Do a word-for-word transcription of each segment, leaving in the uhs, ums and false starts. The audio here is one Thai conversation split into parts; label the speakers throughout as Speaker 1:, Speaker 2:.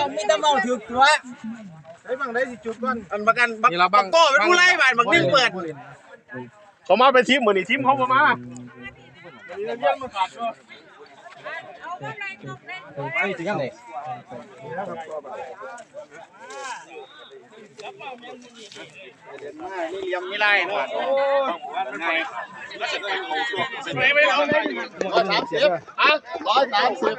Speaker 1: มีแต่เมาถือตัวไอ้บังได้สิจุดก่อนอันประกันบักบักโก้เป็นผู้ไล่บาดบักนิ่งเปิด
Speaker 2: เขามาเป็นทีมเหมือนทีมเขามามาเรียกมาขาดก็
Speaker 1: ไอ้ถึงยังไงนี่เลี้ยงไม่ไล่เนาะไม่ไม่เอาเลยร้อยสามสิบอ่ะร้อยสามสิบ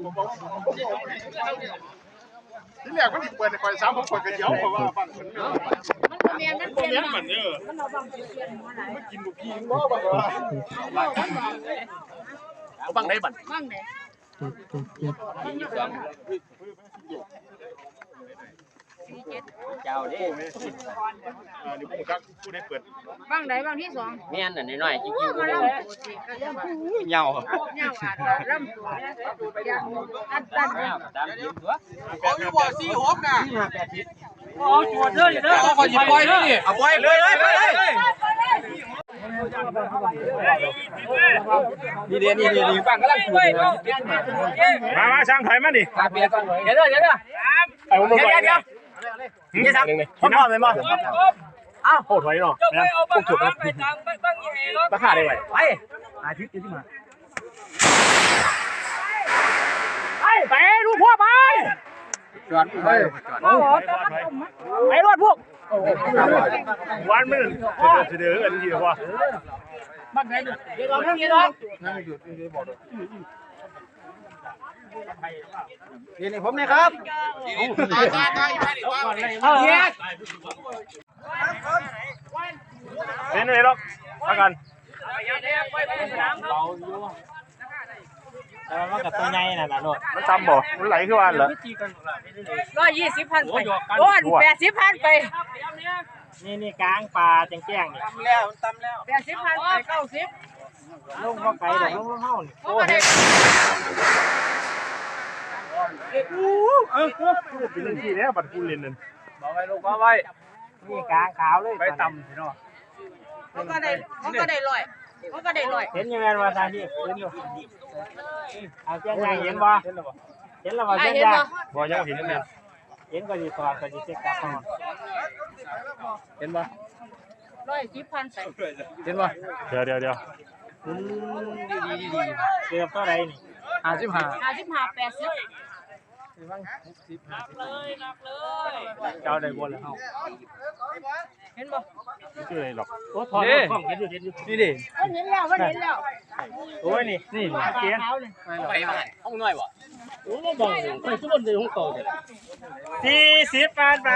Speaker 2: ที่แรกมันเปิดในไฟสามผมเปิดกระเจียวเพราะว่าบังมัน
Speaker 3: มันเมียนมันเปลี่ยนมันเนี่ยมันเอาบังเปลี่ยนหัวไหน
Speaker 2: ไม่กินลูกพี่ง้อบังว่าเอาบังได้บัง
Speaker 3: บังไหน
Speaker 4: เจ้าดิ
Speaker 2: นี่ผมกักผู้ได้เปิด
Speaker 3: บังไหนบังที่สอง
Speaker 4: เมียนน่ะน้อยๆจริงๆ
Speaker 3: มาล่ำ
Speaker 4: เหงา
Speaker 3: เหงาอ่ะล่ำอันตัน
Speaker 4: ตามทีมตัว
Speaker 1: เขาอยู่บ่อสี่หกน่ะ
Speaker 4: อ๋อจวดเลยเด้อ
Speaker 1: ขอหยิบปล่อยนี่เอาปล่อยเลยเลยเลยนี่เดียนี่เดียนี่ฟังกำลังถูก
Speaker 2: มามาช่างถอยมาดิ
Speaker 1: เดี๋ยวเดี๋ยวเดี๋ยวเดี๋ยว
Speaker 2: ไอ้ผมมา
Speaker 1: เดี๋ยวเดี๋ยวนี่สักพ่อพ่อเลยมั้ง
Speaker 2: อ้าวโหถอยเนาะนะพวกจุดนะราคาได้ไหม
Speaker 1: ไปอาทิตย์ที่มา
Speaker 2: ไปไปดูพวกไป
Speaker 1: จอดไป
Speaker 3: โอ้โห
Speaker 2: ไปรถพวกวันมันเดือดเดือดกันทีเดียวว่า
Speaker 1: บ้านไหนเดี๋ยวเราเรื่องนี้เนาะนั่งอยู่ที่บอกนี่นี่ผมนะครับตายตายตายไปดิว่าเนี่ย
Speaker 2: เป็นไงหรอกพักกัน
Speaker 4: แต่ว่ากับตัวใหญ่น่ะนะโนด
Speaker 2: มันจำบ่มันไหลขึ้นมาเหรอ
Speaker 3: ร้อยยี่สิบพันไปโอ้ยแปดสิบพันไป
Speaker 4: นี่นี่กลางปลาแจ้งๆนี่
Speaker 1: ตำแล้วตำแล้ว
Speaker 3: แปดสิบพันไปเก้าสิบ
Speaker 4: ลงมาไกลเดี๋ยวลงมาเฮานี่
Speaker 3: โอ้ย
Speaker 2: เออเป็นที่แล้วบัตรกูเรียนนั่น
Speaker 1: บอกไว้ลูกบอกไว้
Speaker 4: นี่กลางขาวเลย
Speaker 2: ไปต่ำสิเนาะ
Speaker 3: มันก็ได้มันก็ได้ลอยมันก็ได้ลอย
Speaker 4: เห็นยังไงว่าทางที่เห็นอยู่เอาแจ้งใหญ่เห็นบ่เห็นแล้วบ่เห็นแล้วบ่แจ้งใหญ่
Speaker 2: บ่ยังเห็นนั่น
Speaker 4: เห็นก็ดีกว่าก็ดีเช็คกลับมา
Speaker 1: เห็นบ่
Speaker 3: ร้อยสิบพันใส่
Speaker 1: เห็นบ่
Speaker 2: เดี๋ยวเดี๋ยวเดี๋ยว
Speaker 1: ดีดีดี
Speaker 4: เกือบเท่าไรนี่
Speaker 1: ห้าสิบห้า
Speaker 3: ห้าสิบห้าแปดสิบ
Speaker 4: นับเลยนับเลยเจ้าได้บนแล้วเฮา
Speaker 3: เห็นบ่
Speaker 2: ไม่เจออะไรหรอก
Speaker 4: โอ้ถอดกล้องเห็นอยู่เห็นอยู่
Speaker 1: นี่ดิ
Speaker 3: มันเห็นแล้วมันเห็นแล้ว
Speaker 4: โอ้ยนี่นี่เกียร์
Speaker 1: ไปบ้านห้องน้อยบ่
Speaker 4: โอ้ยบ่ไปสุดเลยห้องโตเด้อสี่สิบพันไป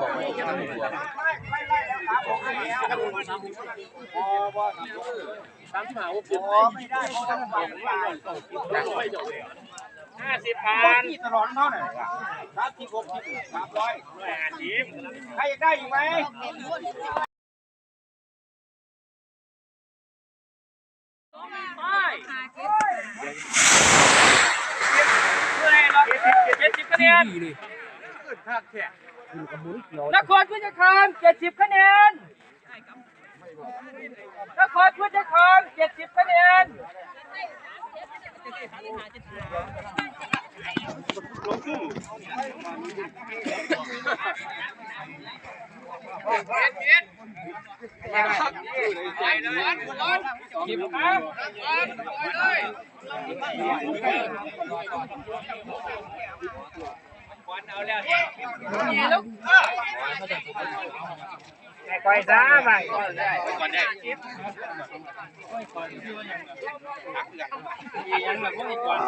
Speaker 1: สามสิบห้าหกสิบ
Speaker 4: ห้าสิบพัน
Speaker 1: ตลอดเท่าไหร่สามสิบหกสิบสามร้อย
Speaker 4: ห้าสิบ
Speaker 1: ใครอยากได้อีกไหม
Speaker 4: เจ็ดสิบคะแนนนครพุทธคามเจ็ดสิบคะแนนนครพุทธคามเจ็ดสิบคะแนนกินครับวันเอาแล้วนี่ลูกไอ้ควายซ่าไปก่อนได้ยังแบบพวกนี้ก่อน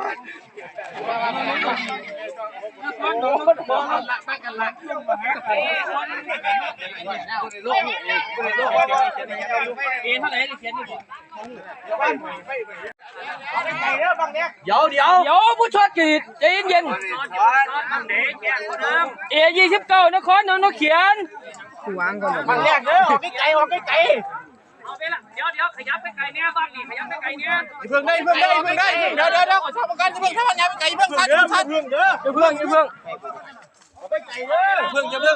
Speaker 4: มันโดนมันละไปกันละเอ๊ะเท่าไหร่ที่เขียนดีกว่า
Speaker 1: เดี๋ยวเดี๋ยว
Speaker 4: เดี๋ยวผู้ชดกีดใจเย็นเอยี่สิบเก้านครนนท์เขียน
Speaker 1: มันแรกเด้อออกไกลออกไกล
Speaker 4: เอาไปละเดี๋ยวเดี๋ยวขยับไปไกลเนี่ยบ้านนี่ขยับไปไกลเนี่ย
Speaker 1: เพิ่งได้เพิ่งได้เพิ่งได้เดี๋ยวเดี๋ยวเดี๋ยวขอชอบกันเพิ่งถ้ามันยังไปไกลเพิ่งทันทันเพิ่งเด้อ
Speaker 4: เพิ่งเพิ่ง
Speaker 1: ไปไกลเด้อเพิ่งจะเพิ่ง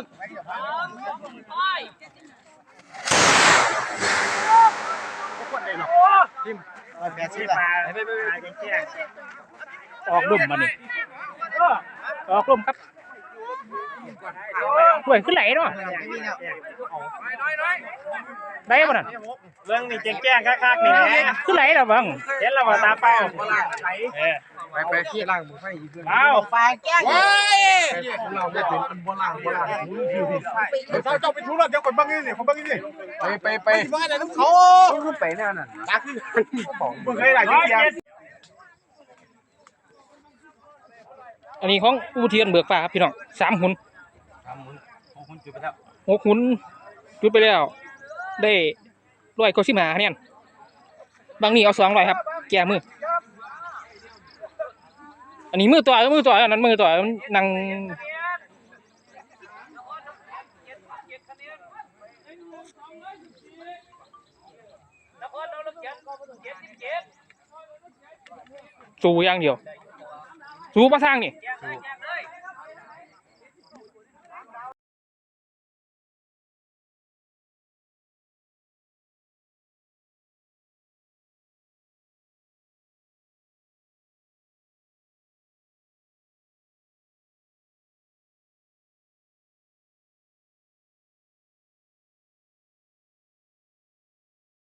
Speaker 1: แปดสิบาท
Speaker 4: ไปไปไปออกลุ่มมานี่ออกลุ่มครับ
Speaker 5: เว้ยขึ้นไหลเนาะได้ป่ะน่ะ
Speaker 4: เรื่องนี่แจ้งๆคักๆนี่
Speaker 5: ขึ้นไหลแล้วบัง
Speaker 4: เห็นแล้วว่าตาเป้าเออ
Speaker 1: ไปไปขี้ล่างหมูไฟอีก
Speaker 4: เอา
Speaker 1: ไฟแก้ว้ายเราไม่ถึงเป็นโบราณโบราณเจ้าเจ้าไปทุรเจ้าคนบ้างนี่เนี่ยคนบ้างนี่ไปไปไปบ้านไหนน้ำเขาไปแน่น่ะตาคือมึงเคยไหนที่ยัง
Speaker 5: อันนี้ของอูเทียนเบิกฟ้าครับพี่น้องสามหุ่นหกหุ่นจุดไปแล้วได้ร้อยเก้าสิบห้าคะแนนบางนี่เอาสองร้อยครับแก้มืออันนี้มือต่อยมือต่อยอันนั้นมือต่อยนั่งสู้อย่างเดียวสู้ประทางนี่